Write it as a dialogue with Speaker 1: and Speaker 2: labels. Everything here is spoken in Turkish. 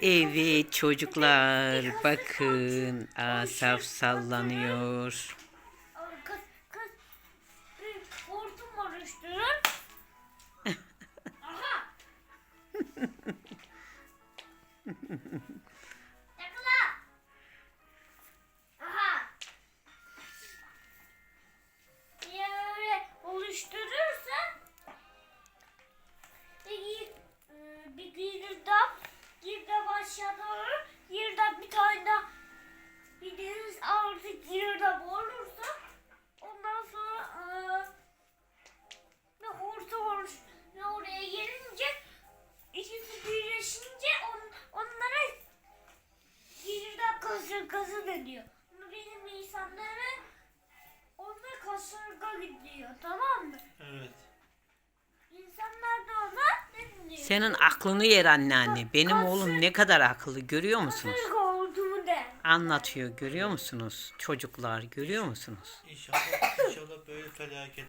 Speaker 1: Evet çocuklar bakın Asaf sallanıyor.
Speaker 2: Kız, kız bir hortum oluşturur. Aha. Yakala. Aha. Diye öyle oluşturursa bir girdap aşağı doğru girdap bir tane daha bir deniz artık girdap olursa ondan sonra bir hortum olur ve oraya gelince ikisi birleşince onlara girdap kasırgası deniyor. Benim insanlara ona kasırga gidiyor, tamam mı?
Speaker 3: Evet.
Speaker 2: İnsanlar da ona ne diyor?
Speaker 1: Senin aklını yer anneanne. Benim oğlum ne kadar akıllı görüyor musunuz?
Speaker 2: Kasırga olduğumu der.
Speaker 1: Anlatıyor görüyor musunuz? Çocuklar görüyor musunuz?
Speaker 3: İnşallah böyle felaket